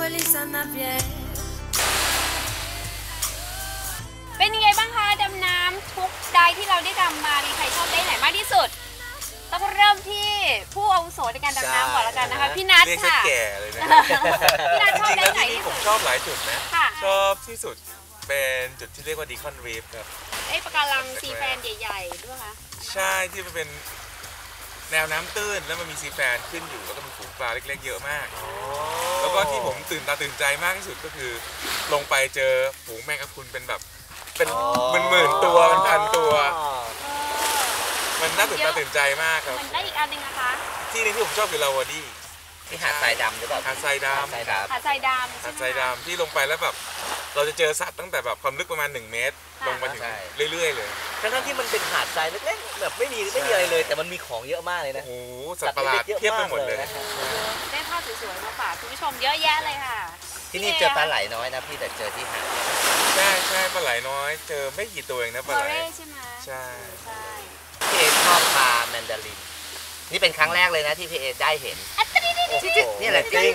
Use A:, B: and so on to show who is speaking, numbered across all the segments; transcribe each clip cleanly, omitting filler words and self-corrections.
A: เป็นยังไงบ้างคะดำน้ำทุกไดที่เราได้ดำมามีใครชอบไดไหนมากที่สุดต้องเริ่มที่ผู้อาวุโสในการดำน้ำก่อนละกันนะคะพี่นัทค่ะ
B: เรียกแก่เลยนะ
A: พี่นัทชอบไดไหน
B: ที่
A: ที่
B: ผ
A: สุ
B: ม
A: ด
B: ชอบหลายจุดนะ
A: ค่ะ
B: ชอบที่สุดเป็นจุดที่เรียกว่าดีคอนรีฟครับ
A: ไอ้ปะการังซีแฟนใหญ่ๆด้วยคะ
B: ใช่ที่มันเป็นแนวน้ำตื้นแล้วมันมีซีแฟนขึ้นอยู่แล้วก็มีฝูงปลาเล็กๆเยอะมากแล้วก็ที่ผมตื่นตาตื่นใจมากที่สุดก็คือลงไปเจอฝูงแมงกะพรุนเป็นแบบเป็นหมื่นๆตัวเป็นพันตัว มันน่าตื่นตาตื่นใจมากครับ
A: มันได้อีกอันหนึ่งนะคะ
B: ที่นึงที่ผมชอบคือลาวาดี้
C: ที่หาดทรายดำหรือเปล่า
B: หาดทรายดำ
A: หาดทรายดำ
B: หาดทรายดำที่ลงไปแล้วแบบเราจะเจอสัตว์ตั้งแต่แบบความลึกประมาณ1 เมตร ลงมาถึงเรื่อยๆเลย
C: ทั้งที่มันเป็นหาดทรายเล็กๆแบบไม่มีอะไรเลยแต่มันมีของเยอะมากเลย
B: โอ้
C: นะ
B: โหสัตว์ประหลาดเทียบไปหมดเลย
A: ได้ภาพสวยๆมาฝากคุณผู้ชมเยอะแยะเลยค่ะ
C: ที่นี่เจอปลาไหลน้อยนะพี่แต่เจอที่หาด
B: ใช่ใช่ปลาไหลน้อยเจอไม่กี่ตัวเองนะปลาไหล
A: ใช่ไหม
B: ใช่
A: ใช่
C: พี่เอชอบปลาแมนดารินนี่เป็นครั้งแรกเลยนะที่พี่เอได้เห็นนี่แหละจริง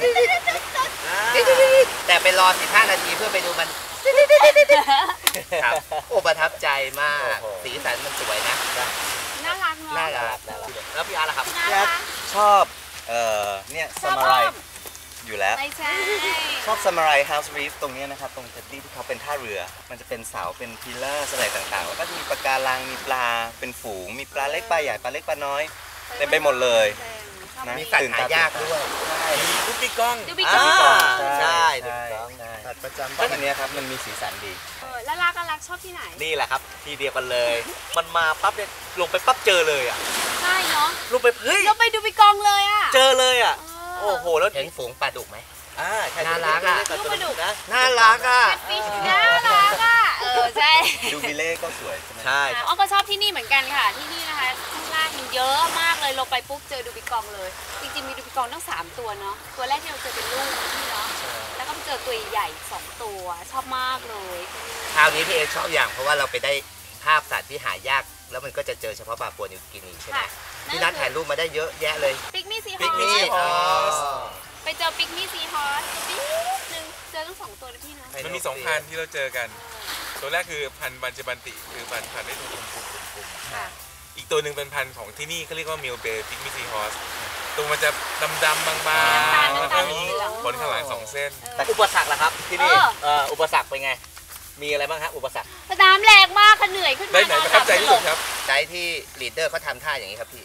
C: แต่ไปรอ15 นาทีเพื่อไปดูมันครับโอ้ประทับใจมากสีสันมันสวยนะ
A: น่ารักเนาะ
C: น่ารักแล้วพี่อาร์ล่ะครับ
A: น่ารัก
D: ชอบเนี่ย
A: ชอบ
D: ซามูไร
A: อ้อม
D: อยู่แล้ว
A: ไม่ใช่
D: ชอบซามูไรเฮาส์รีฟตรงเนี้ยนะครับตรงเท็ดดี้ที่เขาเป็นท่าเรือ มันจะเป็นเสาเป็นพิลเลอร์อะไรต่างๆแล้วก็จะมีปะการังมีปลาเป็นฝูงมีปลาเล็กปลาใหญ่ปลาเล็กปลาน้อยเต็มไปหมดเลยนะ
C: มีสัตว์หายากด้วย
B: มีกุ๊กปิ๊กก้อง
A: ดูบิ๊กก้อง
C: ใช่
D: ใช่
C: ถูกต้อง
D: ใช่
C: สัตว์ประจำ
D: ตอนนี้ครับมันมีสีสันดี
A: แล้วรักชอบที่ไหน
C: นี่แหละครับทีเดียวกันเลย มันมาปั๊บเนี่ยลงไปปั๊บเจอเลยอ่ะ
A: ใช่เนาะ
C: ลงไปเฮ้ย
A: เราไปดูบิ๊กก้องเลยอ่ะ
C: เจอเลยอ่ะ
A: เออ
C: โอ้โหแล้วเห็นฝูงปลาดุกไหมใช่
A: น่ารักอะ
C: ลูกปลาดุกนะน่ารักอ่ะ
A: ฟิชน่ารักอ่ะใช่
D: ดูบิเล่ก็สวยใช่ไหม
C: ใช่
A: อ้อมก็ชอบที่นี่เหมือนกันค่ะที่นี่นะคะข้างล่างมันเยอะมากเลยลงไปปุ๊บเจอดูบิ๊กกองเลยจริงๆมีดูบิ๊กกองตั้ง3 ตัวเนาะตัวแรกที่เราเจอเป็นลูกที่เนาะแล้วก็ไปเจอตัวใหญ่2 ตัวชอบมากเลย
C: คราวนี้พี่เอชอบอย่างเพราะว่าเราไปได้ภาพสัตว์ที่หายากแล้วมันก็จะเจอเฉพาะปลาปัวนิวกินีใช่ไหมพี่นัทถ่ายรูปมาได้เยอะแยะเลย
A: ปิกมี่ซีฮ
C: ปิก
A: อ
C: นี่
A: สไปเจอปิกมี่ซีฮอสนิดนึงเจอทั้ง2 ตัวนะพี่เนาะ
B: มันมี2 พันธุ์ที่เราเจอกัน ตัวแรกคือพันธุ์บันจบันติคือพันธุ์ได้ตัวกลมๆอีกตัวหนึ่งเป็นพันธุ์ของที่นี่เขาเรียกว่ามิลเบย์พิกมิซีฮอสตัวมันจะดำๆบางๆแล้วก็มีขนข้างหลัง2 เส้น
C: อุปสรรคล่ะครับที่นี่อุปสรรคเป็นไงมีอะไรบ้างครับอุปสรรค
A: สนามแรงมากค่ะเหนื่อยขึ้นมา
B: ได้ไหนประทับใจที่สุดครับ
C: ได้ที่ลีดเดอร์เขาทำท่าอย่างนี้ครับพี่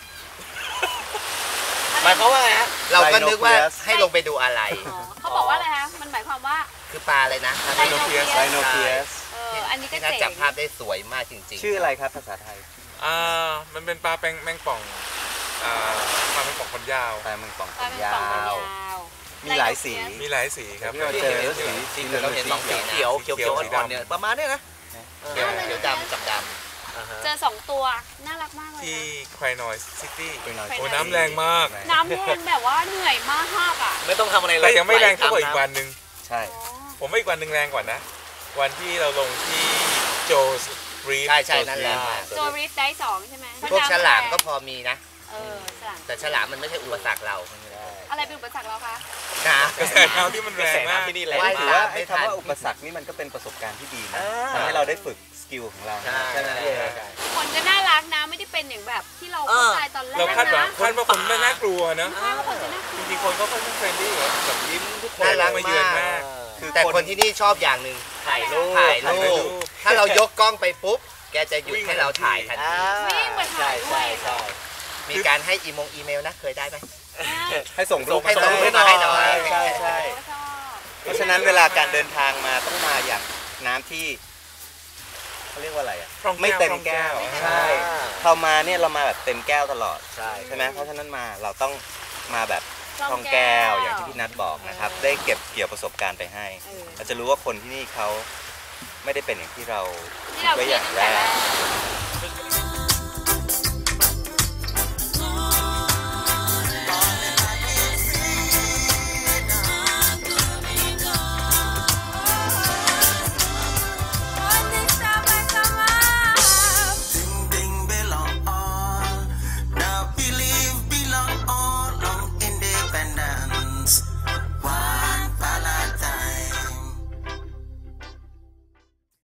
C: หมายความว่าไงฮะเราก็นึกว่าให้ลงไปดูอะไร
A: เขาบอกว่าอะไรคะมันหมายความว่า
C: คือปลาอะไรนะ
A: ไดโนเพียส
D: ไดโนเพียส
A: อันนี้ก็
C: ที่น่า
A: เจ๋ง
C: จับภาพได้สวยมากจริงๆ
D: ชื่ออะไรครับภาษาไทย
B: มันเป็นปลาแมงป่องปลาแมงป่องขนยาว
D: ปลาเมืองป่อง
A: ปลาเป็น
D: ยา
A: ป่องยาว ว
D: มีหลายสี
B: มีหลายสีครับ
D: ที่เราเจอสี
C: จริงๆเราเห็นสองสีเขียวอ่อนๆเนี่ยประมาณนี้นะเขียวดำกับดำ
A: เจอ2 ตัวน่ารักมากเลย
B: ที่
A: นะ
B: ควายนอยซิตี้
D: เป็นน้อย
B: โอ้น้ำแรงมาก
A: น้ำแรงแบบว่าเหนื่อยมากอ่ะ
C: ไม่ต้องทำอะไรเลย
B: แต่ยังไม่แรงเท่ากับอีกวันหนึ่ง
D: ใช่
B: ผมว่าอีกวันหนึ่งแรงกว่านะ วันที่เราลงที่โจสรีฟ
C: ใช่นั่นแหละ
A: โจริฟได้2ใช่ไหม
C: พวกฉลามก็พอมีนะ
A: ฉลาม
C: แต่ฉลามมันไม่ใช่อุปสรรคเรา
A: อะไรเป็นอุปสรรคเราคะ
C: นะ
B: กระแสน้ำที่มันแรงมาก
C: ที่นี่
D: แต่
C: แรง
D: ถือว่าไอ้คำว่าอุปสรรคนี่มันก็เป็นประสบการณ์ที่ดีนะทำให้เราได้ฝึกสกิลของเรา
C: ใช่ไหม
A: คนก็น่ารักนะไม่ได้เป็นอย่างแบบที่เราเข้าใจตอนแรก
B: เราคาดหวัง
A: นะ
B: คนไม่น่ากลัวนะ
A: ใช่ว่าคนจะน่ากลั
B: จ
A: ว
B: ริงๆคนเขาค่อนข้างเฟรนลี่แบบยิ้มทุกคน
C: น่ารัก
B: มาเยือนมาก
C: แต่คนที่นี่ชอบอย่างหนึ่งถ่ายรูปถ้าเรายกกล้องไปปุ๊บแกจะหยุดให้เราถ่ายทันที
A: วิ่งมาถ่ายด้วย
C: มีการให้อีเมลนะเคยได้ไหม
D: ให้ส่งรูป
C: ให้ส่งรูปมาให้หน่อย
D: ใช่ใช่เพราะฉะนั้นเวลาการเดินทางมาต้องมาอย่างน้ำที่เขาเรียกว่าอะไรอ่ะ
B: พร่องแก้ว
D: ไม่เต็มแก้ว
B: พร่องแก้ว
D: ใช่พอมาเนี่ยเรามาแบบเต็มแก้วตลอด
C: ใช่
D: ใช่ไหมเพราะฉะนั้นมาเราต้องมาแบบท่องแก้วอย่างที่พี่นัทบอกนะครับ ได้เก็บเกี่ยวประสบการณ์ไปให้ เราจะรู้ว่าคนที่นี่เขาไม่ได้เป็นอย่างที่เราคิดไว้อย่างแรก